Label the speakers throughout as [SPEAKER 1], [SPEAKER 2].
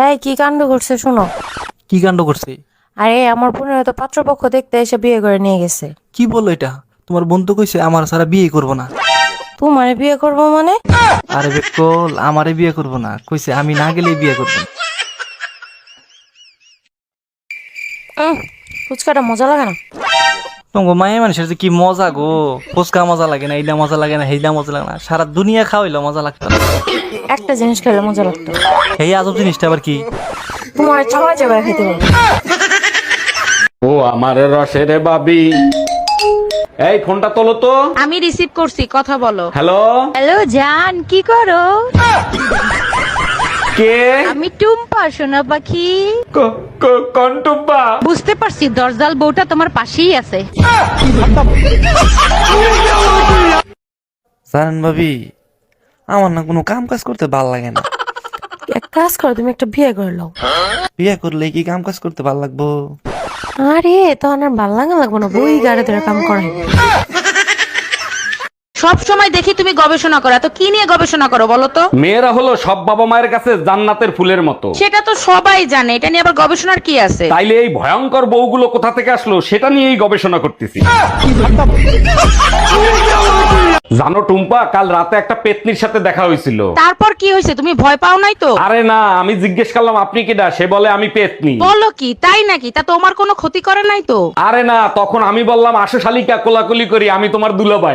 [SPEAKER 1] এই কি কাণ্ড করছে শোনো।
[SPEAKER 2] কি কাণ্ড করছে?
[SPEAKER 1] আরে আমার বোনের তো পাত্রপক্ষ দেখতে এসে বিয়ে করে নিয়ে গেছে।
[SPEAKER 2] কি বললো এটা? তোমার বোন তো কইছে আমার সারা বিয়ে করবো না।
[SPEAKER 1] তোমারে বিয়ে করবো মানে?
[SPEAKER 2] আরে বেকল, আমারে বিয়ে করবো না কইছে, আমি না গেলেই বিয়ে করবো না।
[SPEAKER 1] ফুচকাটা মজা লাগে না।
[SPEAKER 2] তোমার মায়ের মানুষের যে কি মজা গো, ফুচকা মজা লাগে না, এইটা মজা লাগে না, সেইটা মজা লাগে না, সারা দুনিয়া খাওয়াইলো মজা লাগতো না।
[SPEAKER 1] একটা জিনিস খেলে মজা লাগতো।
[SPEAKER 2] এই আজব জিনিসটা আবার কি?
[SPEAKER 1] তোমার চাবাই চাবাই খেতে পারবো।
[SPEAKER 3] ও আমার রসের বাবি, এই ফোনটা তোলো তো।
[SPEAKER 4] আমি রিসিভ করছি, কথা বলো।
[SPEAKER 3] হ্যালো,
[SPEAKER 4] হ্যালো জান, কি করো?
[SPEAKER 3] কে?
[SPEAKER 4] আমি টুম্পা, সোনা পাখি।
[SPEAKER 3] কন্টুব্বা।
[SPEAKER 4] বুঝতে পারছি, দরজাল বউটা তোমার পাশেই আছে।
[SPEAKER 2] জানেন ভাবি, আমার না কোনো কাম কাজ করতে ভাল লাগে না।
[SPEAKER 1] এক কাজ করো, তুমি একটা বিয়ে করে নাও।
[SPEAKER 2] বিয়ে করলে কি কাম কাজ করতে ভাল লাগবো?
[SPEAKER 1] আরে তখন আর ভাল লাগবো না, বই গাড়ি ধরে কাম করাই।
[SPEAKER 4] সব সময় দেখি তুমি গবেষণা করো, তো কি নিয়ে গবেষণা করো বলো তো?
[SPEAKER 3] মেয়েরা হলো সব বাবা মায়ের কাছে জান্নাতের ফুলের মতো।
[SPEAKER 4] সেটা তো সবাই জানে, এটা নিয়ে আবার গবেষণার কি আছে?
[SPEAKER 3] তাইলে এই ভয়ঙ্কর বউগুলো কোথা থেকে আসলো সেটা নিয়েই গবেষণা করতেছি। জানো টুম্পা, কাল রাতে একটা পেতনির সাথে দেখা হয়েছিল।
[SPEAKER 4] তারপর কি হয়েছে, তুমি ভয় পাও নাই তো?
[SPEAKER 3] আরে না, আমি জিজ্ঞেস করলাম আপনি কিডা, সে বলে আমি পেতনি।
[SPEAKER 4] বলো কি, তাই নাকি? তা তোমার কোনো ক্ষতি করে নাই তো?
[SPEAKER 3] আরে না, তখন আমি বললাম আসো শালিকা, কোলাকুলি করি, আমি তোমার দুলাভাই।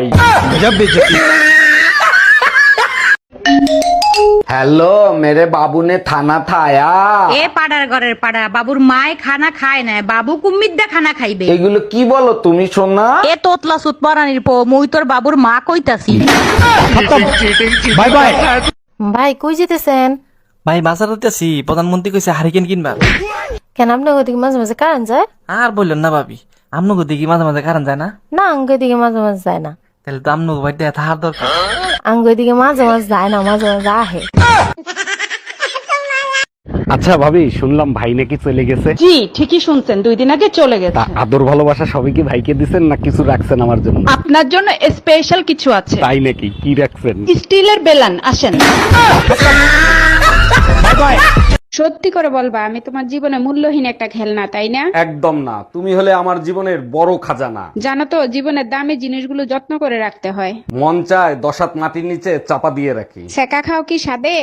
[SPEAKER 3] हेलो मेरे बाबू ने खाना खाया।
[SPEAKER 4] এ পাড়ার ঘরের পাড়া, বাবুর মায় খানা খায় না, বাবু কুম্মিদ্দা খানা খাইবে।
[SPEAKER 3] এগুলো কি বলো তুমি সোনা?
[SPEAKER 4] এ তোতলা সুত পরানির পো, মুই তোর বাবুর মা কইতাছি।
[SPEAKER 3] Bye bye.
[SPEAKER 1] ভাই কই যেতেছেন?
[SPEAKER 2] ভাই বাজার আছি, প্রধানমন্ত্রী কইছে হারিকেন কিনবা।
[SPEAKER 1] কেন আপনার ওদিকে মাঝে মাঝে কারেন্ট যায়?
[SPEAKER 2] আর বললেন না ভাবি, আমনগো দেখি মাঝে মাঝে কারণ যায় না।
[SPEAKER 1] না আঙ্গ দিকে মাঝে মাঝে যায় না।
[SPEAKER 2] তাহলে তো আমনগো বাড়িতে থাকার দরকার।
[SPEAKER 1] আঙ্গ দিকে মাঝে মাঝে যায় না, মাঝে মাঝে আহে।
[SPEAKER 3] আচ্ছা ভাবি, শুনলাম ভাই নাকি চলে গেছে।
[SPEAKER 4] জি ঠিকই শুনছেন, 2 দিন আগে চলে গেছে।
[SPEAKER 3] তা আদর ভালোবাসা সবই কি ভাইকে দিছেন না কিছু রাখছেন আমার জন্য?
[SPEAKER 4] আপনার জন্য স্পেশাল কিছু আছে।
[SPEAKER 3] তাই নাকি? কি রাখছেন?
[SPEAKER 4] স্টিলের বেলান, আসেন।
[SPEAKER 5] সত্যি করে বলবা, আমি তোমার জীবনে মূল্যহীন একটা খেলনা, তাই না?
[SPEAKER 3] একদম না, তুমি হলে আমার জীবনের বড় খাজানা।
[SPEAKER 5] জানো তো, জীবনের দামি জিনিসগুলো যত্ন করে রাখতে হয়।
[SPEAKER 3] মন চায় 10 হাত মাটির নিচে চাপা দিয়ে রাখি।
[SPEAKER 5] সেকা খাও কি সাদে?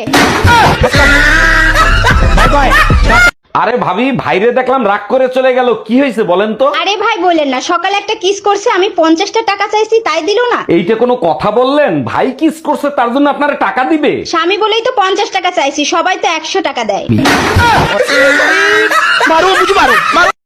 [SPEAKER 3] আরে ভাবি, ভাইরে দেখলাম রাগ করে চলে গেল, কি হয়েছে বলেন তো?
[SPEAKER 6] আরে ভাই বলেন না, সকালে একটা কিস করছে, আমি 50টা টাকা চাইছি তাই দিলো না।
[SPEAKER 3] এইটা কোনো কথা বললেন? ভাই কিস করছে তার জন্য আপনারা টাকা দিবে?
[SPEAKER 6] স্বামী বলেই তো 50 টাকা চাইছি, সবাই তো 100 টাকা দেয়।